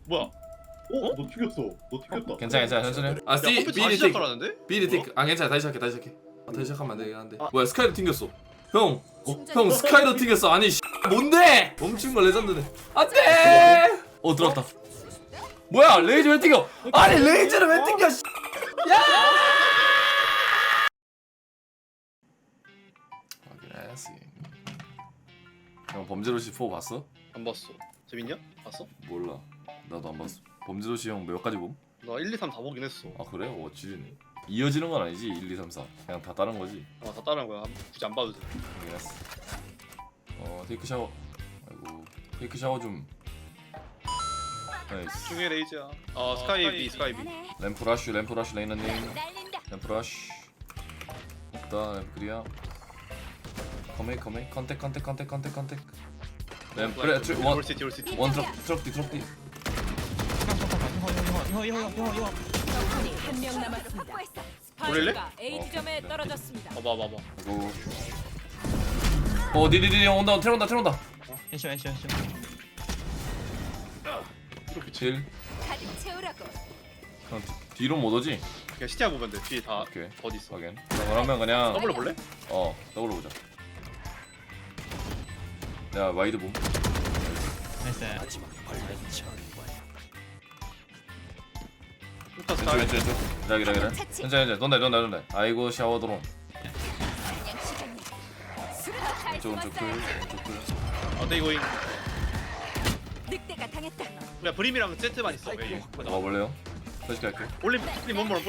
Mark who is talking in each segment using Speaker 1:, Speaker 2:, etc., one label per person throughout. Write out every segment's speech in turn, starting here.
Speaker 1: 뭐야?
Speaker 2: 어? 너 튀겼어. 너 튀겼다.
Speaker 3: 괜찮아 천천히. 아 C
Speaker 1: 컴퓨터
Speaker 3: B
Speaker 1: 다시
Speaker 3: 리 틱
Speaker 1: 시작하라는데?
Speaker 3: B 리 틱. 아 괜찮아 다시 시작해. 다시 시작하면 안 되긴 한데. 뭐야 스카이도 튕겼어. 형 스카이도 튕겼어. 아니 뭔데? 멈춘 거 레전드네. 안돼. 들어왔다. 뭐야 레이저 왜 튕겨? 아니 레이저를 왜 튕겨? 야! 확인해야지. 형 범죄도시 4 봤어?
Speaker 1: 안 봤어. 재밌냐? 봤어?
Speaker 3: 몰라. 나도 안 봤어. 범죄도시 형 몇 가지 봄?
Speaker 1: 나 1, 2, 3 다 보긴 했어.
Speaker 3: 아 그래? 지리네. 이어지는 건 아니지 1, 2, 3, 4. 그냥 다 다른 거지.
Speaker 1: 다 따라한 거야. 굳이 안 봐도 돼.
Speaker 3: 확인했어. 테이크 샤워. 아이고 테이크 샤워 좀. 나이스.
Speaker 1: 중에 레이즈야. 스카이 B, 스카이 B.
Speaker 3: 램프 러쉬 레이너님. 램프 러쉬. 없다 램프 그리야. 커메 컨택. 램프 그래
Speaker 1: 올 시티, 올 시티.
Speaker 3: 원 트럭 뒤.
Speaker 4: 이거
Speaker 5: 적군이 한 명 남았습니다.
Speaker 1: 돌릴래?
Speaker 5: 스파이크가 A 지점에
Speaker 3: 네.
Speaker 5: 떨어졌습니다.
Speaker 1: 봐봐.
Speaker 3: 아이고. 니디디 형 온다 트럭.
Speaker 4: 애쉬
Speaker 1: 이렇게 치.
Speaker 3: 질.
Speaker 5: 가득 채우라고.
Speaker 3: 그냥 뒤로 못 오지?
Speaker 1: 그냥 시티야 보면 돼. 뒤에 다
Speaker 3: 오케이.
Speaker 1: 어디 있어?
Speaker 3: 확인. 그러면 그냥
Speaker 1: 더블로 볼래?
Speaker 3: 더블로 보자. 야 와이드 봄.
Speaker 4: 나이스.
Speaker 1: 슈터 스카이.
Speaker 3: 왼쪽. 기다려. 천천히. 돈다. 아이고 샤워 드론. 왼쪽 클.
Speaker 1: 데이고잉.
Speaker 5: 늑대가 당했다.
Speaker 1: 야 브림이랑 세트만 있어. 왜?
Speaker 3: 볼래요? 다시 갈게.
Speaker 1: 올림 원몰.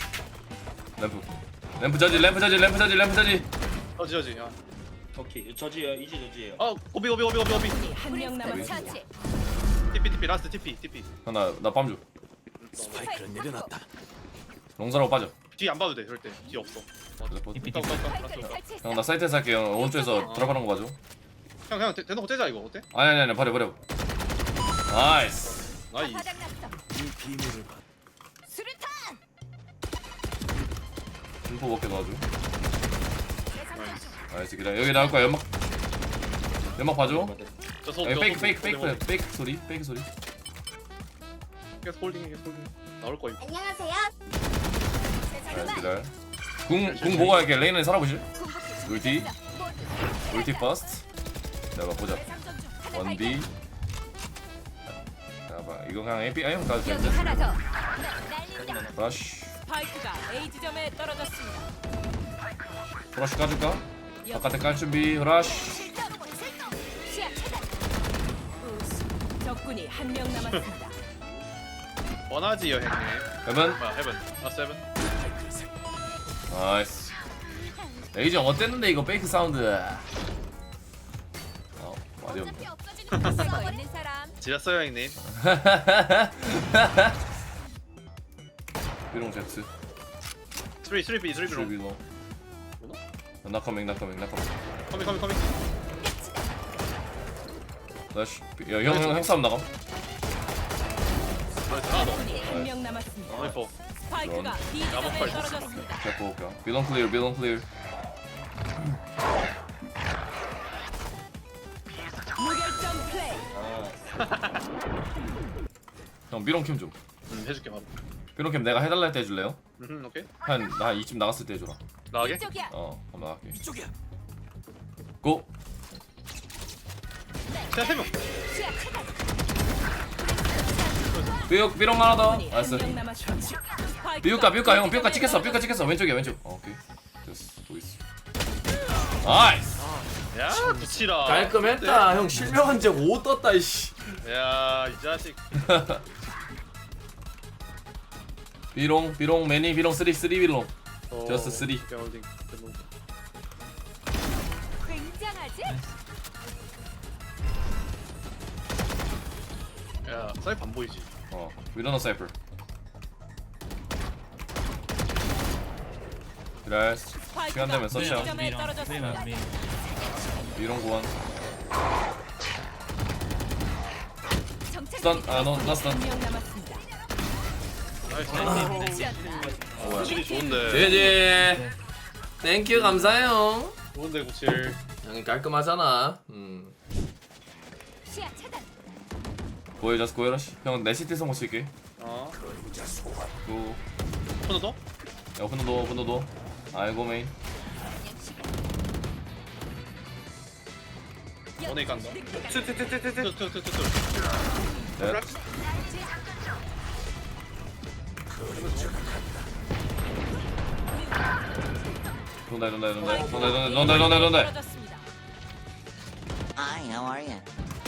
Speaker 3: 램프 저지.
Speaker 1: 저지. 야.
Speaker 2: 오케이. 저지예요. 이제 저지예요.
Speaker 1: 오비.
Speaker 5: 적군이 한 명 남았습니다.
Speaker 1: TP 라스트 TP.
Speaker 3: 나밤 줘.
Speaker 5: 스파이크를 내려놨다.
Speaker 3: 롱사라고 빠져.
Speaker 1: 뒤 안 봐도 돼. 절대 뒤 없어.
Speaker 3: 형 나 사이트에서 할게요. 오른쪽에서 드랍하는 거 봐줘.
Speaker 1: 그냥 대놓고 째자 이거 어때?
Speaker 3: 아니 버려. 나이스.
Speaker 1: 나이.
Speaker 5: 바닥났어. 수류탄.
Speaker 3: 인포 먹게 도와줘. 나이스 기다려. 여기 나올 거야. 연막 봐줘. 페이크 소리.
Speaker 1: 계속 홀딩. 나올 거야.
Speaker 5: 안녕하세요.
Speaker 3: 나이스 기다려. 궁 보고 할게. 레이는 살아보실? 울티 퍼스트. 내가 보자. 원디. 봐. 이거 그냥 AP 아니면 가도
Speaker 5: 여기
Speaker 3: 되는데.
Speaker 5: 하나 더. 날린다.
Speaker 3: 브러쉬.
Speaker 5: 스파이크가 A 지점에 떨어졌습니다.
Speaker 3: 브러쉬 까줄까? 바깥에 깔 준비. 브러쉬.
Speaker 5: 시야 차단. 우스. 적군이 한 명 남았습니다.
Speaker 1: 원하지요 형님.
Speaker 3: 헤븐.
Speaker 1: 뭐야 헤븐. 세븐.
Speaker 3: 나이스. 레이저 어땠는데 이거 페이크 사운드. 말이 없네.
Speaker 5: 쓰고 있는 사람.
Speaker 1: 지렸어요 형님.
Speaker 3: 비롱 잭스.
Speaker 1: 3B
Speaker 3: 슈비로. 나커밍.
Speaker 1: 커밍.
Speaker 3: 나이스. 형 싸움 나가.
Speaker 1: 하나 더.
Speaker 5: 적군이 한 명 남았습니다.
Speaker 1: 나이스.
Speaker 5: 스파이크가 B 지점에
Speaker 1: 나머지
Speaker 5: 떨어졌습니다.
Speaker 3: 볼까? 비롱 클리어.
Speaker 5: 무결점 플레이.
Speaker 3: 형 비롱 캠 좀.
Speaker 1: 해줄게 바로.
Speaker 3: 비롱 캠 내가 해달라 할 때 해줄래요?
Speaker 1: 오케이.
Speaker 3: 나 이쯤 나갔을 때 해줘라.
Speaker 1: 나가게?
Speaker 5: 이쪽이야.
Speaker 3: 한번 나갈게. 이쪽이야. 고.
Speaker 1: 시야 3명.
Speaker 5: 시야 차단.
Speaker 3: 비롱 하나 더.
Speaker 5: 적군이
Speaker 3: 나이스.
Speaker 5: 한 명 남았습니다.
Speaker 3: 삐우까 형 삐우까 찍혔어 왼쪽이야 왼쪽. 오케이 됐어 또 있어. 나이스.
Speaker 1: 야 붙이라.
Speaker 3: 깔끔했다 형. 실명한 적 5 떴다 이씨.
Speaker 1: 야이 자식.
Speaker 3: 비롱 매니 비롱 3 비롱. 저스트 3.
Speaker 5: 굉장하지?
Speaker 1: 야 사이프 안 보이지?
Speaker 3: 위너너 사이퍼. 그래스 시간 되면 서치야.
Speaker 5: 지점에 떨어졌습니다.
Speaker 3: 비롱 고원.
Speaker 5: 정찰
Speaker 3: 나 스턴.
Speaker 5: 한명 남았습니다.
Speaker 1: 나이스. 구칠이 좋은데.
Speaker 3: 제제. 땡큐 감사해요.
Speaker 1: 좋은데 구칠.
Speaker 3: 형이 깔끔하잖아.
Speaker 5: 시야 차단.
Speaker 3: 보여줘서 고해러시. 형 내 시티 성공 쓸게.
Speaker 1: 어
Speaker 3: 고.
Speaker 1: 하나 더?
Speaker 3: 야 분노도. 아이고 메인.
Speaker 1: 원에 간다
Speaker 2: 투투투투투.
Speaker 3: 넷. 돈다.
Speaker 5: 떨어졌습니다.
Speaker 6: Hi, how are you?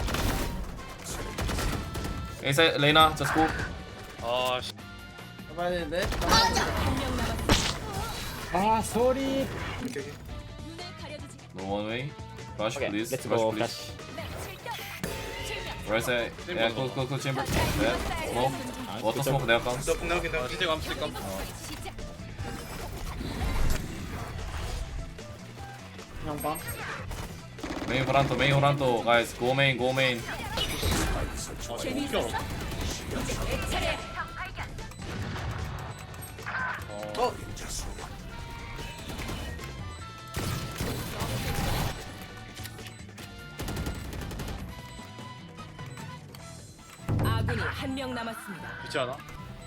Speaker 3: 에이사 레이나 just go.
Speaker 1: 아씨
Speaker 2: 잡아야 되는데.
Speaker 5: 한명 남았습니다.
Speaker 4: 아 쏘리.
Speaker 5: 눈을 가려주지.
Speaker 3: No one way. Rush
Speaker 4: 오케이
Speaker 3: please.
Speaker 4: 렛츠
Speaker 3: Rush
Speaker 4: 고
Speaker 3: please.
Speaker 4: 플래시.
Speaker 3: Right side. Yeah, go chamber. Yeah. Smoke. Water smoke 내가 감.
Speaker 1: 아 진짜 감쓸까?
Speaker 2: 형 봐.
Speaker 3: Main Horanto, guys. Go main.
Speaker 5: 재미있었어? 내 차례. 아군이 한 명 남았습니다.
Speaker 1: 그렇지 않아?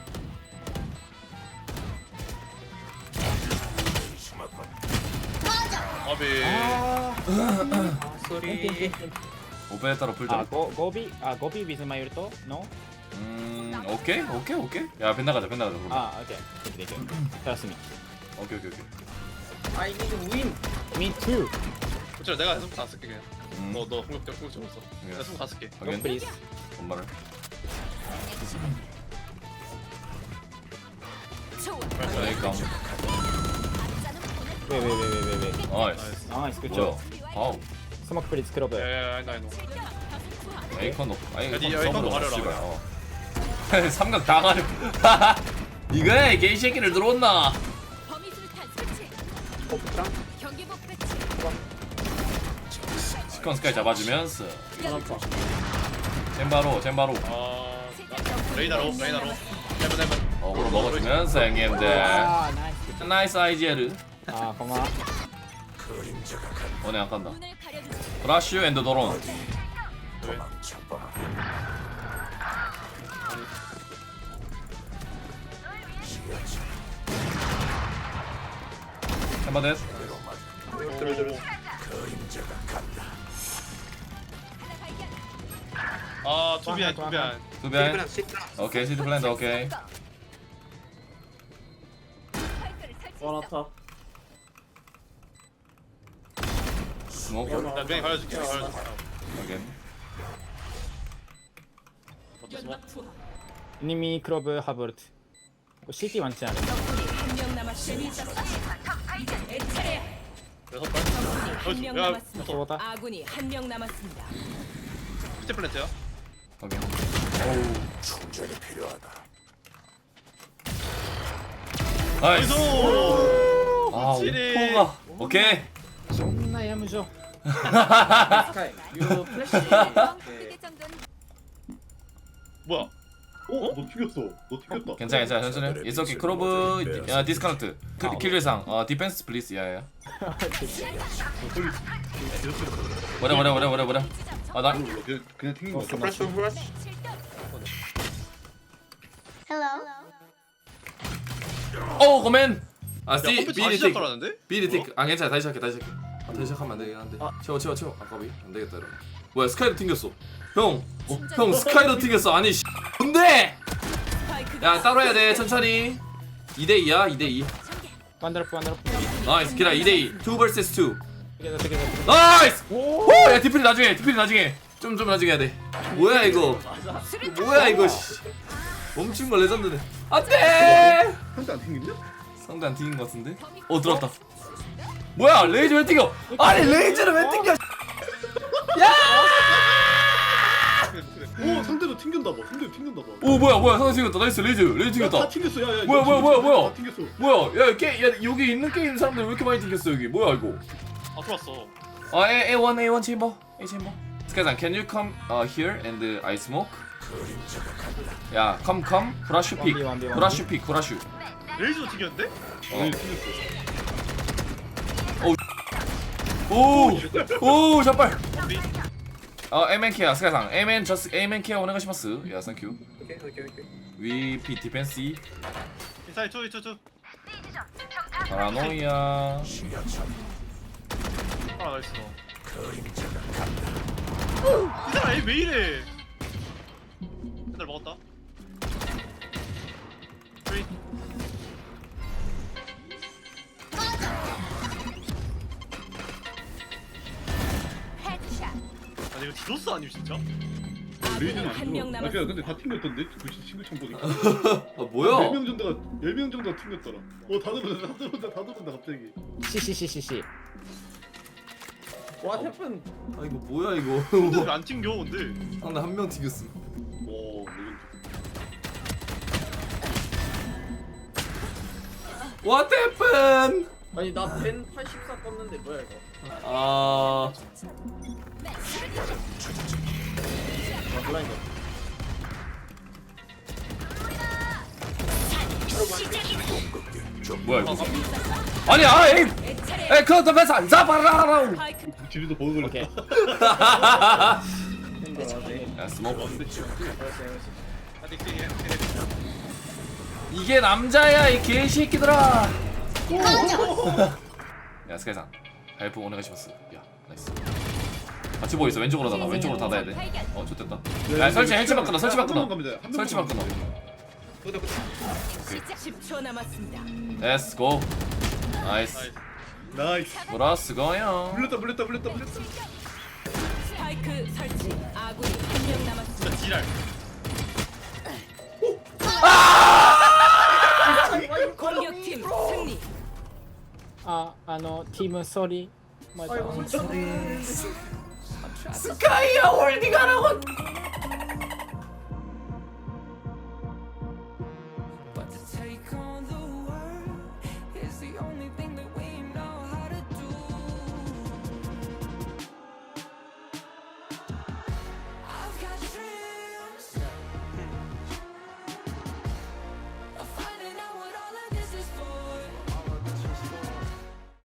Speaker 1: 아비
Speaker 2: 소리.
Speaker 3: 오페에 따라 풀자.
Speaker 4: 고비 with my ulto? No?
Speaker 3: 오케이. 야 벤나 가자. 그럼.
Speaker 4: 오케이. Trust me.
Speaker 3: 오케이.
Speaker 2: I need win.
Speaker 4: Me too.
Speaker 1: 그렇지 내가 해서 다 쓸게 그냥 너 공격 좀 했어
Speaker 3: 예.
Speaker 1: 내가 다 쓸게
Speaker 3: 확인.
Speaker 4: Please.
Speaker 3: 엄마를.
Speaker 5: 좋아.
Speaker 3: 여기 감.
Speaker 4: Wait.
Speaker 3: 나이스.
Speaker 4: Nice, good
Speaker 3: 뭐야?
Speaker 4: job.
Speaker 3: 아우.
Speaker 4: Smoke please, 클로브.
Speaker 1: 야야야 아이노
Speaker 3: 에이컨 아니
Speaker 1: 야, 니 에이컨도 가려라.
Speaker 3: 삼각 다 가려. 이거야 이 개새끼를 들어온나.
Speaker 5: 범위술탄 설치. 경기 목표치.
Speaker 3: 시컨 스카이 잡아주면서
Speaker 2: 하나
Speaker 3: 젠바로
Speaker 1: 아 레이나로 헤븐
Speaker 3: 어그로 먹어주면서 형님들.
Speaker 4: 아, 나이스.
Speaker 3: 나이스 아이지에르.
Speaker 4: 아, 고마워.
Speaker 3: 오늘 안 간다.
Speaker 5: 눈을 가려주지.
Speaker 3: 브라슈 앤드 도론. 햄버댓.
Speaker 1: 아 투비안
Speaker 3: 두변. 오케이 시트 플랜드 오케이.
Speaker 5: 스파이크를 설치.
Speaker 2: 원하타.
Speaker 3: 스모크.
Speaker 1: 나 명이 가려줄게
Speaker 3: 오케이.
Speaker 5: 연막 투하.
Speaker 4: 이미 클로브 하버트. CT 많지 않아?
Speaker 5: 적군이 한 명 남았. 재미있었어? 이제 내 차례야.
Speaker 1: 여섯
Speaker 5: 적군이
Speaker 1: 발
Speaker 5: 한 명
Speaker 1: 야,
Speaker 5: 남았습니다.
Speaker 4: 저거다.
Speaker 5: 아군이 한 명 남았습니다.
Speaker 1: 피트 플랜트야
Speaker 3: 오케이. 나이스. 아
Speaker 1: 확실히.
Speaker 3: 오퍼가. 오케이.
Speaker 4: 존나 야무져.
Speaker 2: 스카이. 유 플래시.
Speaker 5: 크게 정도는
Speaker 1: 뭐야
Speaker 2: 너 튀겼다.
Speaker 3: 괜찮아 천천히. It's okay. 크로브 디스카운트. 킬리상. 디펜스 플리즈. 야야. 뭐래. 나
Speaker 2: 그냥 튀긴 거. 플래시.
Speaker 3: 고멘.
Speaker 1: 야
Speaker 3: C
Speaker 1: 컴퓨터
Speaker 3: B
Speaker 1: 다시
Speaker 3: 리틱.
Speaker 1: 시작하라는데?
Speaker 3: B 리틱. 괜찮아. 다시 시작해. 다시 시작하면 안 되긴 한데. 채워. 아까비 안 되겠다 이러면. 뭐야 스카이로 튕겼어. 형 스카이로 튕겼어. 아니 뭔데? 야 따로 해야 돼 천천히. 2대2야 2대2.
Speaker 4: 완더풀.
Speaker 3: 나이스 기라 2대2 2 vs 2.
Speaker 4: together.
Speaker 3: 나이스. 야 디필이 나중에. 좀 나중에 해야 돼. 뭐야 이거 씨. 멈춘 거 레전드네. 안돼.
Speaker 2: 한대 안 튕겼냐?
Speaker 3: 상대 안 튕긴 거 같은데? 들어왔다. 뭐야 레이저 왜 튕겨? 아니 레이저를 왜 튕겨?
Speaker 2: 오 상대도 튕긴다 봐.
Speaker 3: 오 뭐야 상대 튕겼다. 나이스 레이저 튕겼다.
Speaker 2: 다 튕겼어. 야.
Speaker 3: 뭐야?
Speaker 2: 다 튕겼어.
Speaker 3: 뭐야 야 여기 있는 게임 사람들 왜 이렇게 많이 튕겼어 여기? 뭐야 이거?
Speaker 1: 아 들어왔어
Speaker 3: A1 chamber. 스카이상 can you come here and I smoke? 야 come 브라슈 픽.
Speaker 4: 1v1.
Speaker 3: 브라슈.
Speaker 1: 레이저도 튀겼는데?
Speaker 3: 오 샷발.
Speaker 1: 범비
Speaker 3: Amen 케어 스카이상 Amen 저스 Amen 케어 오네가시마스. 야 땡큐. We P 디펜스
Speaker 1: 인사이드 투
Speaker 3: 파라노이아.
Speaker 1: 아 나이스 이 사람 에이 왜 이래 맨날 먹었다 3 아니 이거 디도스 아님 진짜?
Speaker 2: 레이즈는
Speaker 5: 한 명
Speaker 2: 아
Speaker 5: 남았습니다.
Speaker 2: 근데 다 튕겼던데? 그 친구창 보니까
Speaker 3: 아 뭐야?
Speaker 2: 4명 정도가 10명 정도가 튕겼더라 다 들어온다 갑자기
Speaker 4: CCCCC.
Speaker 3: 아 이거 뭐야 이거?
Speaker 1: 근데 왜 안 튕겨 근데
Speaker 3: 상대 한 명 튀겼음.
Speaker 2: 오 레전드
Speaker 3: What happened?
Speaker 7: 아니 나벤 84 껐는데 뭐야 이거?
Speaker 3: 아
Speaker 7: 블라인드.
Speaker 3: 뭐야 이거? 아니 에이 그것도 배서 안 잡아라.
Speaker 5: 스파이크
Speaker 2: 지리도 버그
Speaker 4: 오케이.
Speaker 2: 걸렸다
Speaker 3: 야 스모크.
Speaker 1: 아직
Speaker 3: 이게 남자야 이 개새끼들아. 야 스카이상 헬프 오네가시마스. 야 나이스. 같이 보고 있어. 왼쪽으로 닫아. 왼쪽으로 닫아야 돼. 좋됐다. 야 설치 설치만 끊어. 설치만 끊어. 설치만 끊어.
Speaker 5: 시작 10초 남았습니다.
Speaker 3: Let's go. 나이스.
Speaker 2: 나이스
Speaker 3: 브라스 고요.
Speaker 2: 물렸다
Speaker 5: 스파이크 설치. 아군이 한 명 남았습니다.
Speaker 1: 진짜 지랄
Speaker 5: 공격팀 승리.
Speaker 4: 팀 쏘리. 맞아.
Speaker 3: 스카이야 홀딩하라고.
Speaker 8: But to take on the world is the only thing